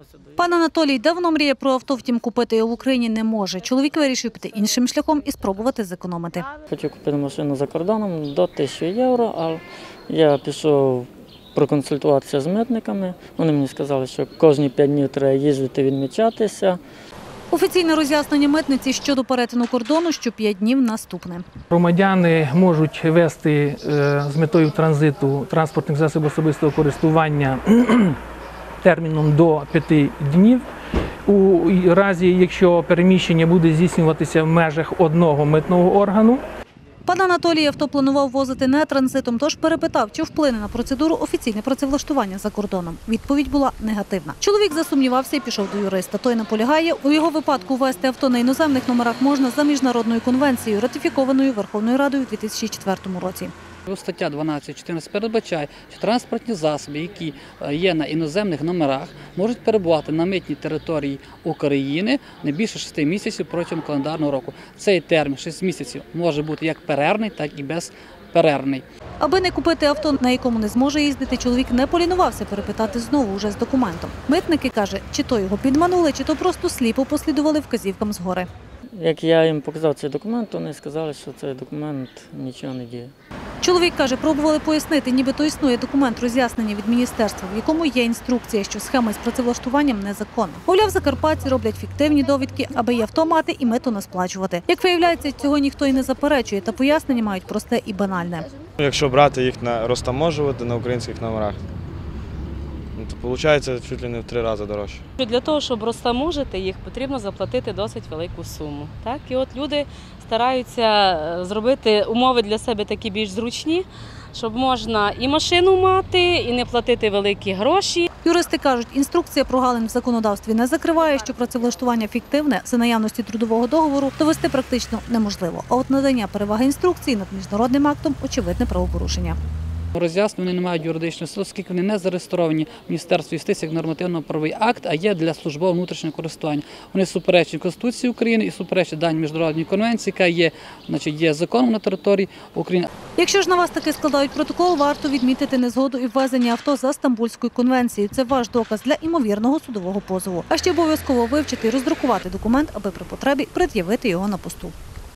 Пан Анатолій давно мріє про авто, втім купити його в Україні не може. Чоловік вирішив піти іншим шляхом і спробувати зекономити. Хотів купити машину за кордоном до 1000 євро, але я пішов проконсультуватися з митниками. Вони мені сказали, що кожні 5 днів треба їздити відмічатися. Офіційне роз'яснення митниці щодо перетину кордону, що 5 днів наступне. Громадяни можуть вести з метою транзиту транспортних засобів особистого користування терміном до 5 днів. У разі, якщо переміщення буде здійснюватися в межах одного митного органу. Пан Анатолій авто планував возити не транзитом, тож перепитав, чи вплине на процедуру офіційне працевлаштування за кордоном. Відповідь була негативна. Чоловік засумнівався і пішов до юриста. Той наполягає, у його випадку ввести авто на іноземних номерах можна за міжнародною конвенцією, ратифікованою Верховною Радою у 2004 році. Стаття 12.14 передбачає, що транспортні засоби, які є на іноземних номерах, можуть перебувати на митній території України не більше 6 місяців протягом календарного року. Цей термін 6 місяців може бути як перервний, так і безперервний. Аби не купити авто, на якому не зможе їздити, чоловік не полінувався перепитати знову уже з документом. Митники, каже, чи то його підманули, чи то просто сліпо послідували вказівкам згори. Як я їм показав цей документ, вони сказали, що цей документ нічого не діє. Чоловік каже, пробували пояснити, нібито існує документ роз'яснення від міністерства, в якому є інструкція, що схема з працевлаштуванням незаконна. Мовляв, закарпатці роблять фіктивні довідки, аби і авто мати, і мито не сплачувати. Як виявляється, цього ніхто і не заперечує, та пояснення мають просте і банальне. Якщо брати їх розтаможувати на українських номерах, то виходить чуть ли не в 3 рази дорожче. Для того, щоб розтаможити їх, потрібно заплатити досить велику суму. Так? І от люди стараються зробити умови для себе такі більш зручні, щоб можна і машину мати, і не платити великі гроші. Юристи кажуть, інструкція прогалин в законодавстві не закриває, що працевлаштування фіктивне за наявності трудового договору довести практично неможливо. А от надання переваги інструкції над міжнародним актом – очевидне правопорушення. Роз'яснення вони не мають юридичної сили, оскільки вони не зареєстровані в Міністерстві юстиції як нормативно-правовий акт, а є для службового внутрішнього користування. Вони суперечать Конституції України і суперечать даній міжнародній конвенції, яка є законом на території України. Якщо ж на вас таки складають протокол, варто відмітити незгоду і ввезення авто за Стамбульською конвенцією. Це ваш доказ для імовірного судового позову. А ще обов'язково вивчити і роздрукувати документ, аби при потребі пред'явити його на посту.